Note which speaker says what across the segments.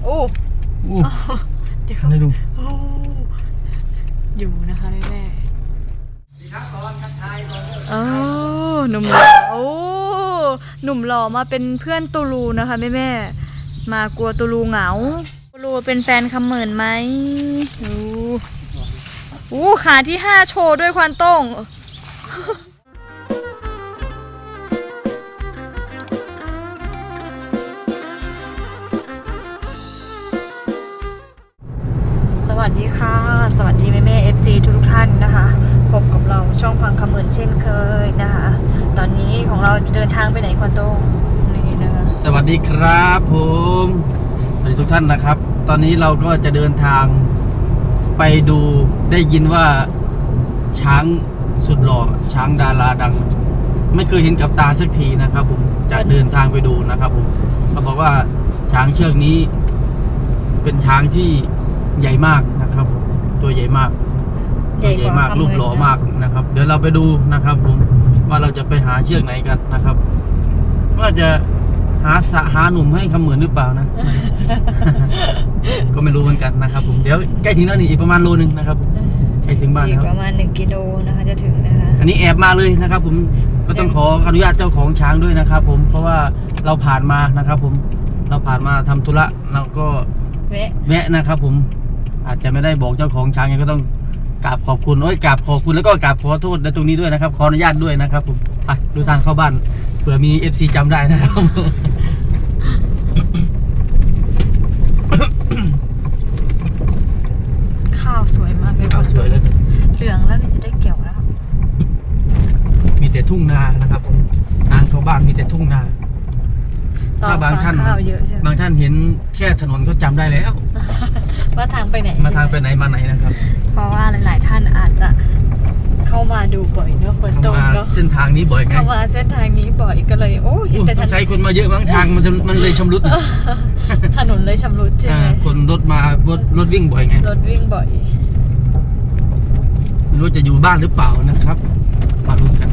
Speaker 1: อ้เดี๋ยวเขา
Speaker 2: ได้ดู
Speaker 1: อยู่นะคะแม่โอ้หนุ่มหล่อหนุ่มหล่อมาเป็นเพื่อนตูลูนะคะแม่มากลัวตูลูเหงาตูลูเป็นแฟนคำเหมินไหมขาที่5โชว์ด้วยควันต้งสวัสดีค่ะสวัสดีแม่FC ทุกท่านนะคะพบกับเราช่องพังคำเหมินเช่นเคยนะคะตอนนี้ของเราจะเดินทางไปไหนควันต้งนี่นะคะ
Speaker 2: สวัสดีครับผมสวัสดีทุกท่านนะครับตอนนี้เราก็จะเดินทางไปดูได้ยินว่าช้างสุดหล่อช้างดาราดังไม่เคยเห็นกับตาสักทีนะครับผมจะเดินทางไปดูนะครับผมเขาบอกว่าช้างเชือกนี้เป็นช้างที่ใหญ่มากนะครับตัวใหญ่มากตัวใหญ่มากรูปหล่อมากนะครับเดี๋ยวเราไปดูนะครับผมว่าเราจะไปหาเชือกไหนกันนะครับว่าจะหาหนุ่มให้คำเหมือนหรือเปล่านะ ก็ไม่รู้เหมือนกันนะครับผมเดี๋ยวใกล้ถึงแล้วนี่อีกประมาณโลนึงนะครับใกล้ถึงบ้านแล้ว
Speaker 1: ประมาณ1 กิโลนะคะจะถึงนะคะ
Speaker 2: อันนี้แอบมาเลยนะครับผมก็ต้องขออนุญาตเจ้าของช้างด้วยนะครับผมเพราะว่าเราผ่านมานะครับผมเราผ่านมาทำธุระเราก็แวะนะครับผมอาจจะไม่ได้บอกเจ้าของช้างยังก็ต้องกราบขอบคุณกราบขอบคุณแล้วก็กราบขอโทษในตรงนี้ด้วยนะครับขออนุญาตด้วยนะครับผมไปดูทางเข้าบ้านเผื่อมี FC จำได้นะครับ
Speaker 1: ข้าวสวยมากเลย
Speaker 2: ข้าวสวยแล้ว
Speaker 1: เหลืองแล้วนี่จะได้เกี่ยวแล้ว
Speaker 2: มีแต่ทุ่งนานะครับผมทางเข้าบ้านมีแต่ทุ่งนาถ้าบางท่านเห็นแค่ถนนก็จำได้แล้ว
Speaker 1: ว่าทางไปไหน
Speaker 2: มาทางไปไหนมาไหนนะครับ
Speaker 1: เพราะว่าหลายๆท่านอาจจะเข้ามาดูบ่อยเนาะฝนตกเนาะ
Speaker 2: เส้นทางนี้บ่อยไง
Speaker 1: เข้ามาเส้นทางนี้บ่อยก็เลยเห็นแต่
Speaker 2: ใช้คนมาเยอะบางทางมันเลยชำรุด
Speaker 1: ถนนเลยชำรุดใช่ไหม
Speaker 2: คนรถมารถวิ่งบ่อยไง
Speaker 1: รถวิ่งบ่อย
Speaker 2: ไม่รู้จะอยู่บ้านหรือเปล่านะครับมาลุ้นกัน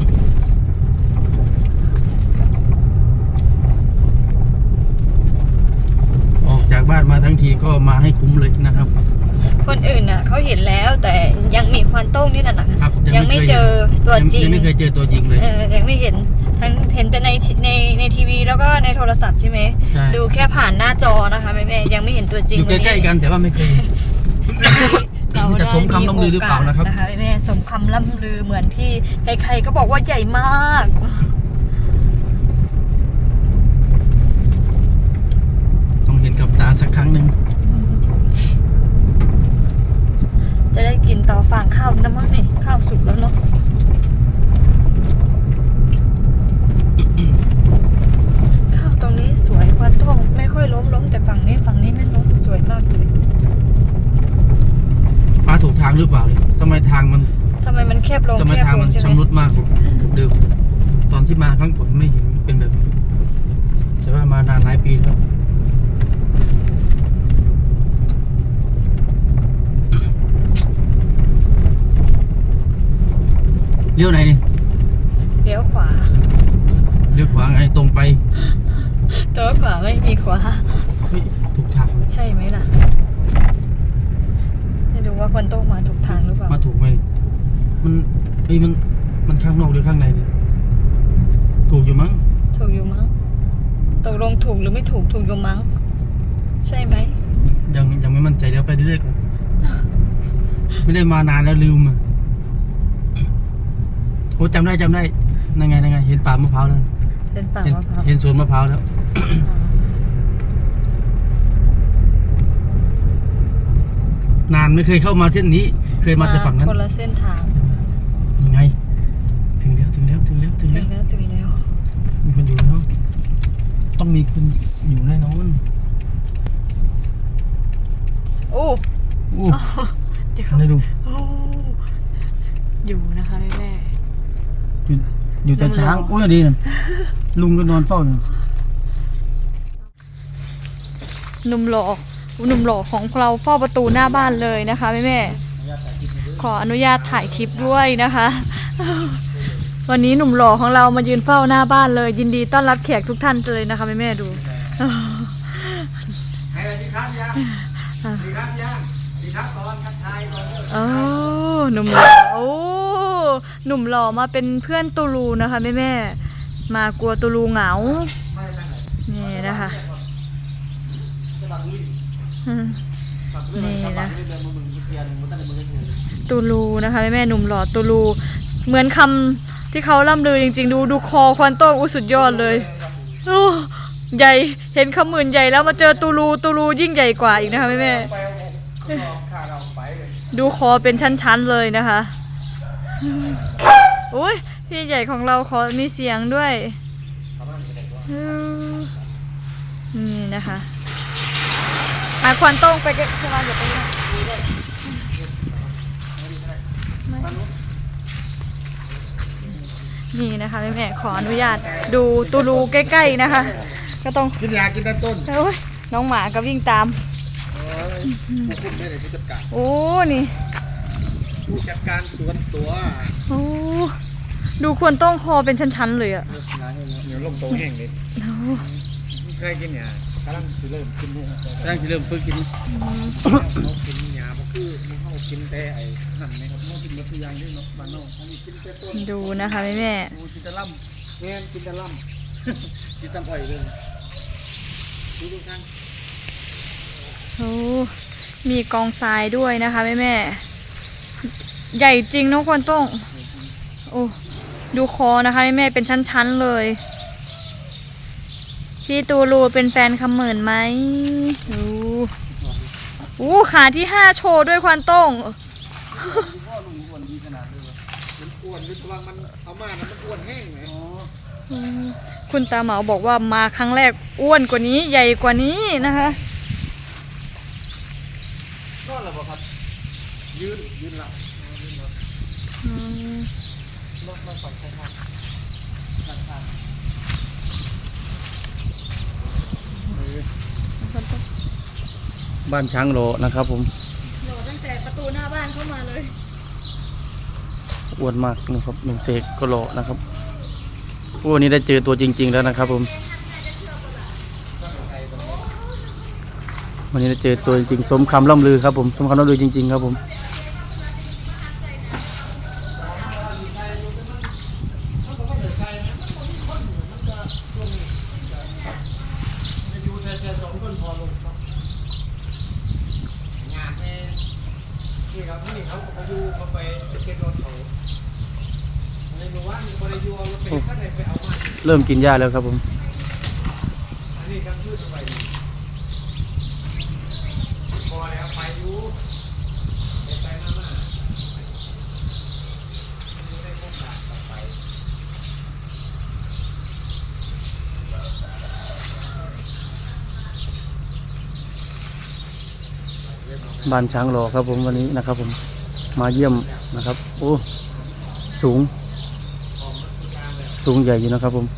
Speaker 2: ออกจากบ้านมาทั้งทีก็มาให้คุ้มเลยนะครับ
Speaker 1: คนอื่นน่ะเขาเห็นแล้วแต่ยังมีควันโต้งนี่น่ะยังไม่เจอตัวจริง
Speaker 2: ยังไม่เคยเจอตัวจริงเลย
Speaker 1: ยังไม่เห็นเห็นแต่ในทีวีแล้วก็ในโทรศัพท์ใช่ไหมดูแค่ผ่านหน้าจอนะคะแม่ยังไม่เห็นตัวจริง
Speaker 2: อยู่ใกล้ๆกันแต่ว่าไม่เคยจะสมคำล่ำลือหรือเปล่านะครับ
Speaker 1: แม่สมคำล่ำลือเหมือนที่ใครๆก็บอกว่าใหญ่มาก
Speaker 2: ต้องเห็นกับตาสักครั้งหนึ่ง
Speaker 1: จะได้กินต่อฟางข้าวนะมั้งนี่ข้าวสุกแล้วเนาะข้าวตรงนี้สวยควันท่องไม่ค่อยล้มแต่ฝั่งนี้ไม่ล้มสวยมากเลย
Speaker 2: มาถูกทางหรือเปล่าเนี่ยทำไมมัน
Speaker 1: แคบลง
Speaker 2: ทำไมทางมันชำรุดมากเดิมตอนที่มาครั้งก่อนไม่เห็นเป็นแบบนี้แต่ว่ามานานหลายปีแล้วเลี้ยวไหนนี่
Speaker 1: เลี้ยวขวา
Speaker 2: ไงตรงไป
Speaker 1: ตัวขวาไม่มีขวา
Speaker 2: ถูกทางเลย
Speaker 1: ใช่ไหมล่ะไม่รู้ว่าคนโต้มาถูกทางหรือเปล่า
Speaker 2: มาถูกไหมมันข้างนอกหรือข้างในเนี่ยถูกอยู่มั้ง
Speaker 1: ตกลงถูกหรือไม่ถูกอยู่มั้งใช่ไหม
Speaker 2: ยังไม่มั่นใจเดี๋ยวไปเรื่อยๆก่อนไม่ได้มานานแล้วลืมจำได้นั่งไงเห็นป่ามะพร้าวแล้วเห็นสวนมะพร้าวแล้วนานไม่เคยเข้ามาเส้นนี้เคยมาแต่ฝั่งนั้น
Speaker 1: คนละเส้นทาง
Speaker 2: ยังไงถึงแล้วมีคนอยู่แล้วต้องมีคนอยู่แน่นอน
Speaker 1: เดี๋ยวเขา
Speaker 2: ได้ดู
Speaker 1: อยู่นะคะแม่
Speaker 2: อยู่แต่ช้างดีนะลุงก็นอนเฝ้าอยู่
Speaker 1: หนุ่มหล่อของเราเฝ้าประตูหน้าบ้านเลยนะคะแม่ขออนุญาตถ่ายคลิปด้วยนะคะวันนี้หนุ่มหล่อของเรามายืนเฝ้าหน้าบ้านเลยยินดีต้อนรับแขกทุกท่านเลยนะคะแม่ดู
Speaker 2: ครับย่างดีครับย่างดีครับตอนทักทายก่อนเด้อ
Speaker 1: โอ้หนุ่มหล่อโอ้หนุ่มหล่อมาเป็นเพื่อนตูลูนะคะแม่ๆมากลัวตูลูเหงานี่นะคะนี่นะตูลูนะคะแม่ๆหนุ่มหล่อตูลูเหมือนคำที่เขาล่ำลือจริงๆดูคอควันโต้งอุ้สุดยอดเลยโอ้ใหญ่เห็นคำหมื่นใหญ่แล้วมาเจอตูลูยิ่งใหญ่กว่าอีกนะคะแม่ๆดูคอเป็นชั้นๆเลยนะคะโอ้ยพี่ใหญ่ของเราขอมีเสียงด้วยนี่นะคะควันโต้งไปเก็บขึ้นมาเดี๋ยวไปนะนี่นะคะแม่ขออนุญาตดูตูลูใกล้ๆนะคะก็ต้อง
Speaker 2: กินยากินแต่ต้น
Speaker 1: โอ้ยน้องหมาก็วิ่งตาม
Speaker 2: ผู้คุมได้เลยผู้จัดการ
Speaker 1: โอ้นี่
Speaker 2: ผู้จัดการสวนตัว
Speaker 1: โอ้ดูควรต้องคอเป็นชั้นๆเลยอะ
Speaker 2: เหนียวลมโตแห้งเลย
Speaker 1: โอ้
Speaker 2: เคยกินยากำลังสิเริ่มกินนี่กำลังสิเริ่มฝึกกินเขากินยาเพราะคือมันเขากินแต่ไอ้หั่นนะครับเขากินมาทุกอย่างนี่เนาะบ้านนอกเขามีกินแต่ต้น
Speaker 1: ดูนะคะแม่
Speaker 2: กินแต่ล่ำแง่กินแต่ล่ำกินตำอ้อยเลยดูกัน
Speaker 1: โอ้มีกองทรายด้วยนะคะแม่ใหญ่จริงน้องควรต้องโอ้ดูคอนะคะแม่เป็นชั้นๆเลยพี่ตูลูเป็นแฟนคำเหมินไหมอู้ขาที่5โชว์ด้วยควรต้อง
Speaker 2: อ้วนดีขนาดเลยมันอ้วนหรือว่ามันเอามานะมันอ้วนแห้งไหม
Speaker 1: คุณตาเหมาบอกว่ามาครั้งแรกอ้วนกว่านี้ใหญ่กว่านี้นะคะ
Speaker 2: ก็อะไรบ่ครับยืนหลับรถมาฝั่งใช่ไหมบ้านช้างโลนะครับผม
Speaker 1: หล่อตั้งแต่ประตูหน้าบ้านเข้ามาเลย
Speaker 2: อ้วนมากนะครับหนุ่มเสกก็โลนะครับวันนี้ได้เจอตัวจริงๆแล้วนะครับผมวันนี้ได้เจอตัวจริงสมคำล่ำลือครับผมสมคำล่ำลือจริงๆครับผมเริ่มกินหญ้าแล้วครับผมบ้านช้างรอครับผมวันนี้นะครับผมมาเยี่ยมนะครับโอ้สูงใหญ่อยู่นะครับผม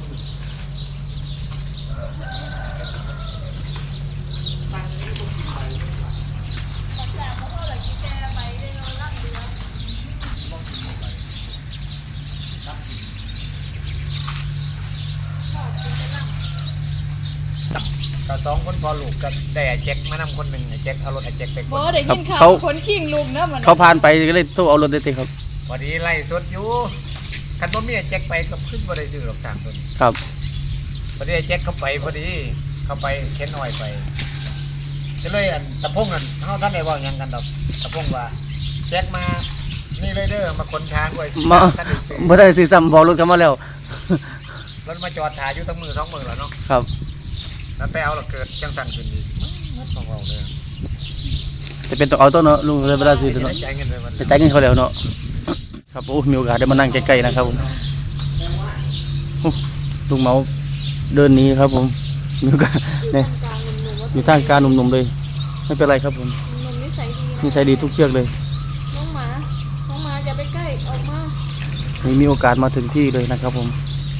Speaker 3: ก็สองคนพอลูกก็ได้ไอ้แจ็คมานำคนหนึ่งไอ้แจ็คเอารถไอ้แจ็คไป
Speaker 1: บอได้ยินข่าวคนขิงลุมนะมัน
Speaker 2: เขาผ่านไปก็เลยโทรเอารถได้ติครับ
Speaker 3: พอดีไล่สดอยู่คันบ่มีไอ้แจ็คไปก็ขึ้นบ่ได้ซื้อหรอก3ต้น
Speaker 2: ครับ
Speaker 3: พอดีไอ้แจ็คเข้าไปพอดีเข้าไปเข็นอ้อยไปก็เลยอันตะพงนั่นเฮาท่านได้เว้าหยังกันดอกตะพงว่าแจ็คมานี่เลยเด้อมาขนช้างไว้
Speaker 2: มา
Speaker 3: ท่านได้ซื้อ
Speaker 2: ไม่ได้ซื้อซ้ำบอกรถเขามาแล้ว
Speaker 3: รถมาจอดถ่ายอยู่ตั้งมือ2มือแล้วเนาะ
Speaker 2: ครับ
Speaker 3: แล้วไปเอาแล้วเกิดจังสั่นขึ้นอีกมันของเราเด้อ
Speaker 2: จะเป็นตัวเอาตัวเนาะลุงเลยเวลาซื้อตัวเนาะ
Speaker 3: ได้จ่ายเงินเลยมัน
Speaker 2: จะจ่ายเงินเขาแล้วเนาะครับโอ้มีโอกาสได้มานั่งใกล้ๆนะครับผมโอ้ลุงเมาเดินหนี้ครับผมมีโอกาสเนี่ยอยู่ท่ามกลางหนุ่มๆเลยไม่เป็นไรครับผม
Speaker 1: นมนิสัยดี
Speaker 2: นิสัยดีทุกเชือกเลย
Speaker 1: น้องหมาอย่าไปใกล้ออกมา
Speaker 2: มีโอกาสมาถึงที่เลยนะครับผม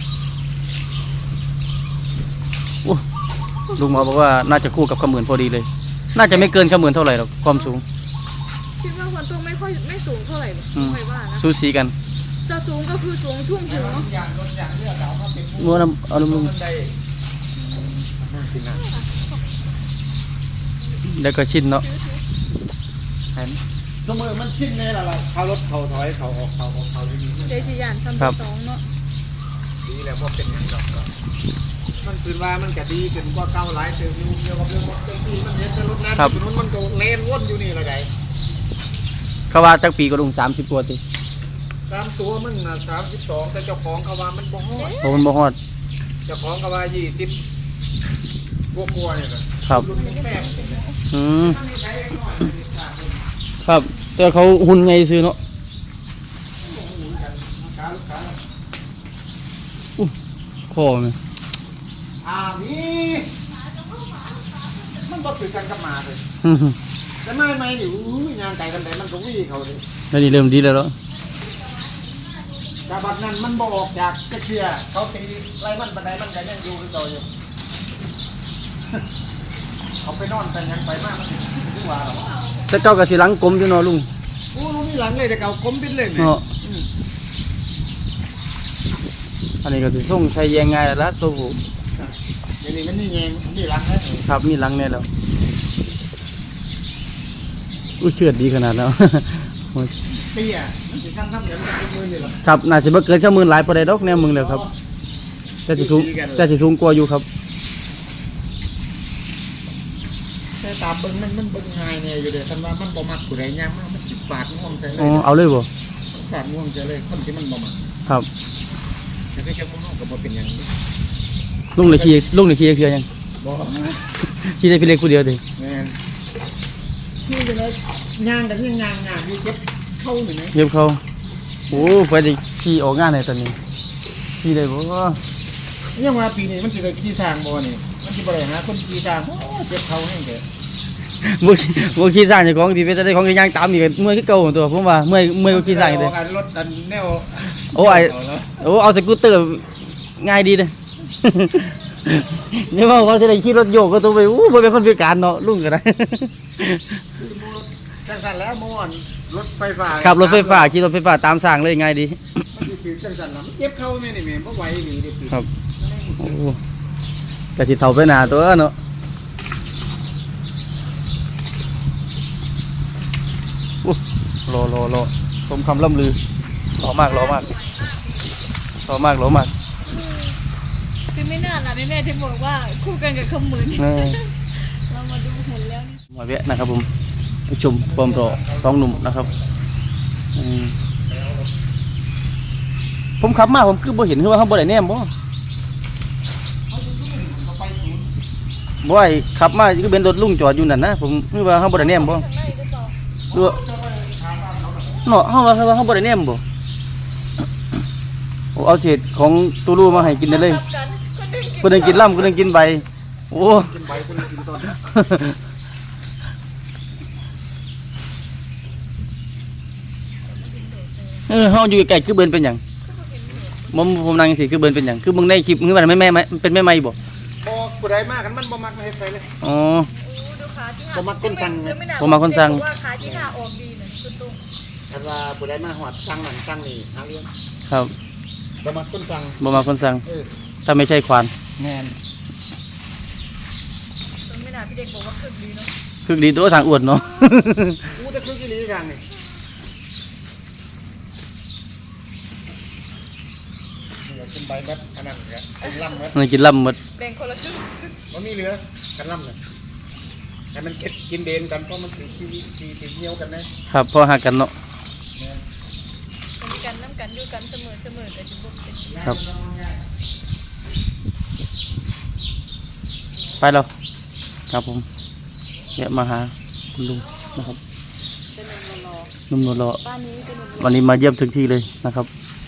Speaker 2: โอ้ลุงเมาบอกว่าน่าจะคู่กับขมื่นพอดีเลย น่าจะไม่เกินขมื่นเท่าไหร่หรอกความสูง
Speaker 1: คิดว่าควรต้องไม่สูงเท่าไหร่
Speaker 2: อืม
Speaker 1: ไม่ว่านะ
Speaker 2: สูสีกัน
Speaker 1: จะสูงก็คือสูงช่วงหัว
Speaker 2: งัวน้ำเอาน้ำลุงแล้วก็ชินเนาะ
Speaker 3: เห็นสมอมันชินแน่ละล่ะเขารถเขาถอยเขาออกเขาอยู่นี่
Speaker 1: เดชิยานซัมสองเนาะ
Speaker 3: ดีแล้วบ่เป็นหยังดอกมันคือว่ามันก็ดีขึ้นกว่าเก่าหลายเติมอยู่เกี่ยวกับเรื่องรถที่มันเห็นแต่รถนั้นถนนมันก็เลนวนอยู่นี่ละได
Speaker 2: เขาว่าจักปีก็ลุง30กว่าติ
Speaker 3: ตามตัวมันน่ะ32แต่เจ้าของเขาว่ามันบ่ฮอด
Speaker 2: โอ้มันบ่ฮอด
Speaker 3: เจ้าของเขาว่า20กว่าๆนี่แหละ
Speaker 2: ครับ
Speaker 3: รุ่นแม่
Speaker 2: อืมครับแต่เขาหุ่นไงซื้อเนาะคอมัน
Speaker 3: นี่มันบ่คือกันกับหมาเลย
Speaker 2: อื้อหือ
Speaker 3: แต่ไม่นี่งานไก่กันแต่มันก็วิ่งเขาเลย
Speaker 2: แล้วนี่เริ่มดีแล้วเนาะ
Speaker 3: แต่บัดนั้นมันบ่ออกจากกระเทียเขาตีไล่มันบันไดมันก็ยังอยู่คือเก่าอยู่ เขาไปนอนแต่ยังไปมากมันถึงว่าหรอ
Speaker 2: แต่เจ้าก็สิหลังกลมอยู่เนาะลุง
Speaker 3: โอ้ลุงมีหลังเลยแต่เก่าก้มบินเลย
Speaker 2: เนาะอันนี้ก็สิส่งใช้แยงง่ายแล้วล่ะตัวผู้
Speaker 3: เดี๋ยวนี้มันนี่เองนี่หลังนะครับ
Speaker 2: มีหลังแน่แล้วอุ้ยเชือดดีขนาดแล้ว
Speaker 3: เตี้ยมันสิทำเดี๋ยวมันจะเป็นมือนี่หรอ
Speaker 2: ครับน่าสิบ่เกินชั่วหมื่นหลายปานใดดอกแนวมึงแล้วครับแต่สิสูงกว่าอยู่ครับ
Speaker 3: แต่ตามเบิ้งมันเบิ้งง่ายเนี่ยอยู่เดี๋ยวคันว่ามันบ่มักผู้ใดย่างมากมันสิฟาดง่วงใจเล
Speaker 2: อ๋อย เอาเลยบ่
Speaker 3: ฟาดง่วงใจเลยคนที่มันบ่มัก
Speaker 2: ครับ
Speaker 3: แต่ที่เจ้ามุ่งก็บ่เป็นอย่างนี้
Speaker 2: ลุงเลยขี่เทื่อยัง
Speaker 3: บ่
Speaker 2: ขี่ได้พี่เล็กผู้เดียวดิ
Speaker 3: แม่นนี่เป็นเลยย่างกันยังย่างอยู่เจ็บเข้าหนึ่งไหม
Speaker 2: เย็บเขาโอ้ไปได้ขี่ออกงานเลยตอนนี้ขี่ได้บ่
Speaker 3: ยังว่าปีนี้มันสิได้ขี่ทางบ่นี่มันสิบ่ได้หาคนขี่ทางโอ้เจ็บเข้าแห้งเด้อ
Speaker 2: บ่ขี่สร้างเจ้าของที่เป็นได้ของย่างตามนี่ก็เมื่อยคือเก่าตัวผมว่าเมื่อยก็ขี่สร้างอยู่เด้
Speaker 3: การรถอันแนว
Speaker 2: โอ้เอาสกูตเตอร์ง่ายดีเด้ นี่ว่าเขาสิได้ขี่รถโยกก็ต้องไปบ่เป็นคนพิการเนาะลุงก็ได้
Speaker 3: จังสันแล้วม่วนรถไฟฟ้า
Speaker 2: ขับรถไฟฟ้าขี่รถไฟฟ้าตามสร้างเลยง่ายดี
Speaker 3: มันสิจังสันแล้วมันเจ็บเข้าแม่นี่แม่บ่ไหวอีหลีเด้อ
Speaker 2: ครับ โอ้ก็สิเฒ่าไปหน้าตัวเนาะรอสมคำล่ำลือรอมาก
Speaker 1: คือไม่น่าล่ะแม่ที่บอกว่าคู่กันกับขมืน
Speaker 2: เออ
Speaker 1: เรามาดูหุ่นแล้วนี่
Speaker 2: มาแวะนะครับผมไปชมความรอสองหนุ่มนะครับผมขับมาผมคือบ่เห็นคือว่าเขาบ่ได้แนมบ่ไอ้ขับมาคือเป็นรถลุงจอดอยู่นั่นนะผมคือว่าเขาบ่ได้แนมบ่
Speaker 1: ข้างในหรือเปล่า
Speaker 2: ดูเนาะเขาว่าเขาบ่ได้แนมบ่โอ้เอาเศษของตูรูมาให้กินได้เลย
Speaker 1: ทับกันคนหนึ่ง
Speaker 2: คนหนึงกินลำคนหนึงกินใบโอ้
Speaker 3: กินใบคนกินต้น
Speaker 2: เฮาอยู่ใกล้ๆคือเบิ่นเป็นหยังผมนั่งสิคือเบิ่นเป็นหยังคือมึงในคลิปมึงว่าแม่เป็นแม่ไม้บ่
Speaker 3: บ่ผู้ใดมากันมันบ่มักเฮ็ดไปเลย
Speaker 2: อ๋อ
Speaker 1: ดูขาที่
Speaker 3: บ่มักคนสั่ง
Speaker 2: ผมมาคนสั่ง
Speaker 1: ว่าขาที่ขาออกดีเหมือนคุณตุ้ง
Speaker 3: ถ้าว่าผู้ใดมาฮอดสั่งนั่นสั่งนี่หาเรื่อง
Speaker 2: ครับ
Speaker 3: บ่มักคนสั่ง
Speaker 2: บ่มาคนสั่ง
Speaker 3: เออ
Speaker 2: ถ้าไม่ใช่ควาน
Speaker 3: แม่น
Speaker 1: ไม่น่าพี่เด็กบอกว่าคึกดีเนาะ
Speaker 2: คือดีตัวทางอวดเนาะ
Speaker 3: กูจะคือกี่ลีทางนี่นี่กินใบแบบอันนั้นแหละกินลำเบิด
Speaker 2: มันกินลำหมด
Speaker 1: แบ่งคนละครึ่ง
Speaker 3: บ่มีเหลือกันลำเลยให้มันเก็บกินเดนกันเพราะมันสีเหี่ยวกันนะครับ
Speaker 2: พอหากันเนาะ
Speaker 1: มีกันน้ำกันอยู่กันเสมอแต่จะบุกเป็น
Speaker 2: ครับ ไปแล้วครับผมแวะมาหาคุณลุงนะครับ
Speaker 1: เป็นหนุ่มรอ
Speaker 2: นุ่มนวลรอ
Speaker 1: บ้านนี้เป็นหนุ่ม
Speaker 2: วันนี้มาเยี่ยมถึงที่เลยนะครับ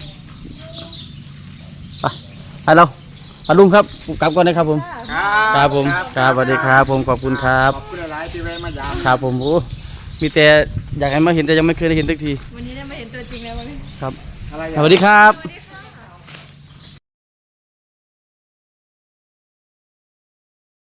Speaker 2: ไปแล้วลุงครับกลับก่อนนะครับผม ครับผมครับสวัสดีครับผมขอบคุณครับ
Speaker 3: ขอบคุณหลายๆที่แวะมายาม
Speaker 2: ครับผมโอ้มีแต่อยากให้มาเห็นแต่ยังไม่เคยได้เห็นสักที
Speaker 1: วันนี้ได้มาเห็นตัวจริงแล้ววันนี้
Speaker 2: ครับ
Speaker 3: อะไร
Speaker 2: สวัสดีครับ
Speaker 1: สวัสดี